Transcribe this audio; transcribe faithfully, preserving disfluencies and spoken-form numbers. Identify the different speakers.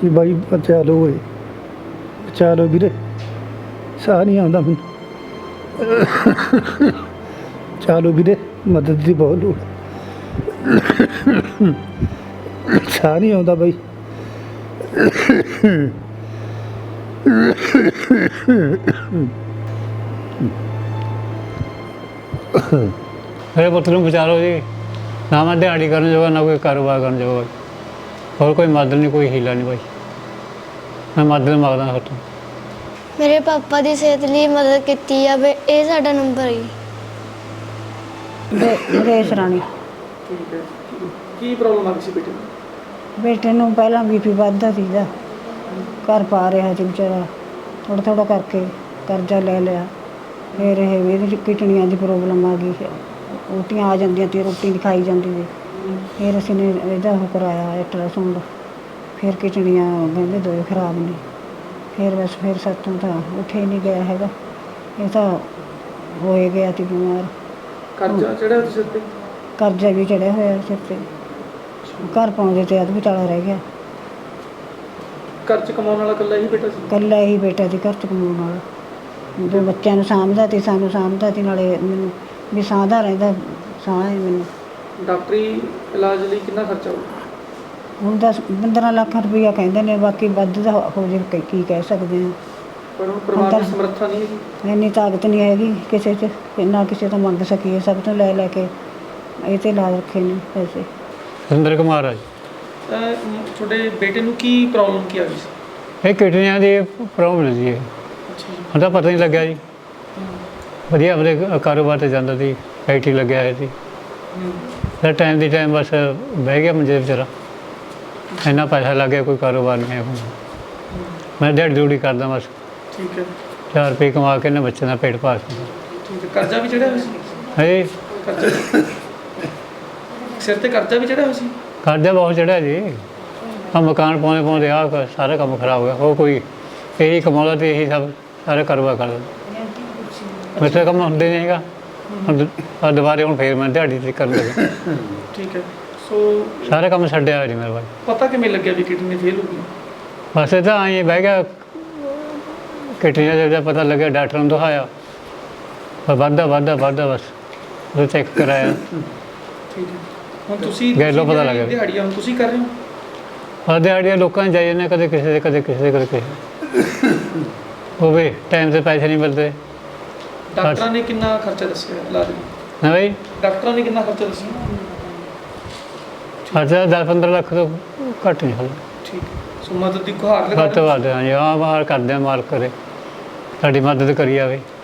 Speaker 1: ਜੀ ਬਾਈ ਬਚਾ ਲਓ ਓਏ, ਬਚਾ ਲਓ ਵੀਰੇ, ਸਾਹ ਨਹੀਂ ਆਉਂਦਾ ਮੈਨੂੰ। ਬਚਾ ਲਓ ਵੀਰੇ, ਮਦਦ ਦੀ ਬਹੁਤ ਲੋੜ ਹੈ। ਸਾਹ ਨਹੀਂ ਆਉਂਦਾ ਬਾਈ।
Speaker 2: मेरे पुत्र ਨੂੰ ਬਚਾ ਲਓ ਜੀ। ਨਾ ਮੈਂ ਦਿਹਾੜੀ ਕਰਨ ਜੋਗਾ, ਨਾ ਕੋਈ ਕਾਰੋਬਾਰ ਕਰਨ ਜੋਗਾ, ਹੋਰ ਕੋਈ ਮਦਦ ਨਹੀਂ, ਕੋਈ ਹੀਲਾ ਨਹੀਂ ਭਾਈ। ਮੈਂ ਮਦਦ ਮੰਗਦਾ ਹਾਂ ਤੁਹਾਨੂੰ।
Speaker 3: ਮੇਰੇ ਪਾਪਾ ਦੀ ਸਿਹਤ ਲਈ ਮਦਦ ਕੀਤੀ ਜਾਵੇ, ਇਹ ਸਾਡਾ ਨੰਬਰ ਹੈ।
Speaker 4: ਨਰੇਸ਼ ਰਾਣੀ।
Speaker 5: ਠੀਕ ਹੈ, ਕੀ ਪ੍ਰੋਬਲਮ ਆ ਗਈ ਸੀ ਬੇਟੇ ਨੂੰ?
Speaker 4: ਬੇਟੇ ਨੂੰ ਪਹਿਲਾਂ ਬੀ ਪੀ ਵੱਧਦਾ ਸੀਗਾ, ਘਰ ਪਾ ਰਿਹਾ ਸੀ ਵਿਚਾਰਾ, ਥੋੜ੍ਹਾ ਥੋੜ੍ਹਾ ਕਰਕੇ ਕਰਜ਼ਾ ਲੈ ਲਿਆ। ਫਿਰ ਇਹ ਇਹਦੀ ਕਿਡਨੀਆਂ ਦੀ ਪ੍ਰੋਬਲਮ ਆ ਗਈ, ਉਲਟੀਆਂ ਆ ਜਾਂਦੀਆਂ ਤੇ ਰੋਟੀ ਨਹੀਂ ਖਾਈ ਜਾਂਦੀ ਸੀ। ਫਿਰ ਅਸੀਂ ਨੇ ਇਹਦਾ ਉਹ ਕਰਾਇਆ ਅਲਟਰਾਸਾਊਂਡ, ਫਿਰ ਕਿਡਨੀਆਂ ਕਹਿੰਦੇ ਦੋਏ ਖਰਾਬ ਨੇ। ਫਿਰ ਬਸ ਫਿਰ ਸਾਤੋਂ ਤਾਂ ਉੱਠੇ ਨਹੀਂ ਗਿਆ ਹੈਗਾ, ਇਹ ਤਾਂ ਹੋਏ ਗਿਆ ਸੀ ਬਿਮਾਰ।
Speaker 5: ਕਰਜ਼ਾ ਚੜਿਆ ਸਿਰ ਤੇ?
Speaker 4: ਕਰਜ਼ਾ ਵੀ ਚੜਿਆ ਹੋਇਆ ਸਿਰ 'ਤੇ, ਘਰ ਪਾਉਂਦੇ ਤੇ ਅੱਧ ਵਿਚਾਲਾ ਰਹਿ ਗਿਆ।
Speaker 5: ਘਰ 'ਚ ਕਮਾਉਣ ਵਾਲਾ ਇਕੱਲਾ ਹੀ ਬੇਟਾ ਸੀ?
Speaker 4: ਇਕੱਲਾ ਹੀ ਬੇਟਾ ਸੀ ਘਰ 'ਚ ਕਮਾਉਣ ਵਾਲਾ, ਜੋ ਬੱਚਿਆਂ ਨੂੰ ਸਾਂਭਦਾ ਤੇ ਸਾਨੂੰ ਸਾਂਭਦਾ ਤੇ ਨਾਲੇ ਮੈਨੂੰ ਵੀ ਸਾਂਭਦਾ ਰਹਿੰਦਾ, ਸਾਹ ਹੈ ਮੈਨੂੰ।
Speaker 5: ਡਾਕਟਰੀ ਇਲਾਜ ਲਈ ਕਿੰਨਾ ਖਰਚਾ ਹੋਊ?
Speaker 4: ਹੁਣ ਦਸ ਪੰਦਰਾਂ ਲੱਖ ਰੁਪਈਆ ਕਹਿੰਦੇ ਨੇ, ਬਾਕੀ ਵੱਧ ਦਾ ਹੋ ਜੇ ਕੀ- ਕੀ ਕਹਿ ਸਕਦੇ ਹਾਂ।
Speaker 5: ਪਰ ਹੁਣ ਪਰਿਵਾਰ ਦੀ ਸਮਰੱਥਾ ਨਹੀਂ ਹੈਗੀ,
Speaker 4: ਇੰਨੀ ਤਾਕਤ ਨਹੀਂ ਹੈਗੀ ਕਿਸੇ 'ਚ ਕਿ ਨਾ ਕਿਸੇ ਤੋਂ ਮੰਗ ਸਕੀਏ, ਸਭ ਤੋਂ ਲੈ ਲੈ ਕੇ ਇਹ 'ਤੇ ਲਾ ਰੱਖੇ ਨੇ ਪੈਸੇ।
Speaker 2: ਸੁਰਿੰਦਰ ਕੁਮਾਰ ਆ ਜੀ।
Speaker 5: ਅਹ ਤੁਹਾਡੇ ਬੇਟੇ ਨੂੰ ਕੀ ਪ੍ਰੋਬਲਮ ਕੀ ਆ ਗਈ ਸੀ?
Speaker 2: ਇਹ ਕਿਡਨੀਆਂ ਦੀ ਪ੍ਰੋਬਲਮ ਸੀ। ਇਹ
Speaker 5: ਅੱਛਾ ਜੀ।
Speaker 2: ਹੁਣ ਤਾਂ ਪਤਾ ਨਹੀਂ ਲੱਗਿਆ ਜੀ। ਵਧੀਆ ਆਪਣੇ ਕਾਰੋਬਾਰ 'ਤੇ ਜਾਂਦਾ ਸੀ, ਫੈਕਟਰੀ ਲੱਗਿਆ ਹੋਇਆ ਸੀ। ਫਿਰ ਟਾਈਮ ਦੀ ਟਾਈਮ ਬਸ ਬਹਿ ਗਿਆ ਮੰਜੇ 'ਤੇ ਵਿਚਾਰਾ। ਇੰਨਾ ਪੈਸਾ ਲੱਗ ਗਿਆ, ਕੋਈ ਕਾਰੋਬਾਰ ਨਹੀਂ ਹੈ ਹੁਣ। ਮੈਂ ਦਿਹਾੜੀ ਦਿਹੜੀ ਕਰਦਾ ਬਸ,
Speaker 5: ਠੀਕ ਹੈ,
Speaker 2: ਚਾਰ ਰੁਪਏ ਕਮਾ ਕੇ ਨਾ ਬੱਚੇ ਦਾ ਪੇਟ ਪਾਲ ਸਕਦਾ।
Speaker 5: ਠੀਕ ਹੈ। ਕਰਜ਼ਾ ਵੀ ਚੜਿਆ ਹੋਇਆ ਸੀ?
Speaker 2: ਹੈ
Speaker 5: ਕਰਜ਼ਾ ਸਿਰ ਤੇ ਕਰਜ਼ਾ ਵੀ ਚੜਿਆ ਹੋਇਆ ਸੀ?
Speaker 2: ਕਰਜ਼ਾ ਬਹੁਤ ਚੜਿਆ ਜੀ। ਆ ਮਕਾਨ ਪਾਉਂਦੇ ਪਾਉਂਦੇ ਆ ਸਾਰਾ ਕੰਮ ਖਰਾਬ ਹੋ ਗਿਆ। ਉਹ ਕੋਈ ਇਹੀ ਕਮਾਉਂਦਾ ਅਤੇ ਇਹੀ ਸਭ ਸਾਰਾ ਕਾਰੋਬਾਰ ਕਰਦਾ। ਮੇਰੇ ਤੋਂ ਕੰਮ ਹੁੰਦੇ ਨਹੀਂ ਹੈਗਾ। ਹੁਣ ਆਹ ਦੁਬਾਰੇ ਹੁਣ ਫੇਰ ਮੈਂ ਦਿਹਾੜੀ 'ਤੇ ਕਰਨ ਲੱਗਾ।
Speaker 5: ਠੀਕ ਹੈ। ਸੋ
Speaker 2: ਸਾਰੇ ਕੰਮ ਛੱਡਿਆ ਹੋਇਆ ਜੀ ਮੇਰੇ ਕੋਲ।
Speaker 5: ਪਤਾ ਕਿਵੇਂ ਲੱਗਿਆ ਵੀ ਕਿਡਨੀ ਫੇਲ ਹੋ ਗਈ?
Speaker 2: ਬਸ ਇਹ ਤਾਂ ਆਈ ਬਹਿ ਗਿਆ, ਕਿਡਨੀਆਂ ਦਾ ਜਦ ਪਤਾ ਲੱਗਿਆ ਡਾਕਟਰ ਨੂੰ ਦਿਖਾਇਆ, ਪਰ ਵੱਧਦਾ ਵੱਧਦਾ ਵੱਧਦਾ ਬਸ ਉਹ ਚੈੱਕ ਕਰਾਇਆ।
Speaker 5: ਠੀਕ ਹੈ। ਹੁਣ ਤੁਸੀਂ
Speaker 2: ਗੈਲੋਂ ਪਤਾ ਲੱਗ ਗਿਆ।
Speaker 5: ਦਿਹਾੜੀਆਂ ਹੁਣ ਤੁਸੀਂ ਕਰ ਰਹੇ ਹੋ?
Speaker 2: ਆ ਦਿਹਾੜੀਆਂ ਲੋਕਾਂ ਨੂੰ ਜਾਈ ਜਾਂਦੇ, ਕਦੇ ਕਿਸੇ ਦੇ ਕਦੇ ਕਿਸੇ ਦੇ ਕਦੇ ਕਿਸੇ ਉਹ ਵੀ ਟਾਈਮ 'ਤੇ ਪੈਸੇ ਨਹੀਂ ਮਿਲਦੇ।
Speaker 5: ਡਾਕਟਰਾਂ ਨੇ ਕਿੰਨਾ ਖਰਚਾ ਦੱਸਿਆ ਇਲਾਜ ਲਈ?
Speaker 2: ਹਾਂ ਬਈ,
Speaker 5: ਡਾਕਟਰਾਂ ਨੇ ਕਿੰਨਾ ਖਰਚਾ ਦੱਸਿਆ?
Speaker 2: ਖਰਚਾ ਦਸ ਪੰਦਰਾਂ ਲੱਖ ਤੋਂ ਘੱਟ ਨਹੀਂ ਹੋਣਾ।
Speaker 5: ਠੀਕ ਹੈ। ਸੋ ਮਦਦ ਦੀ ਗੁਹਾਰ ਲਗਾ
Speaker 2: ਵੱਧ ਤੋਂ ਵੱਧ ਹਾਂਜੀ, ਆਹ ਬਾਹਰ ਕਰਦੇ ਆ, ਮਾਲਕ ਕਰੇ ਸਾਡੀ ਮਦਦ ਕਰੀ ਜਾਵੇ।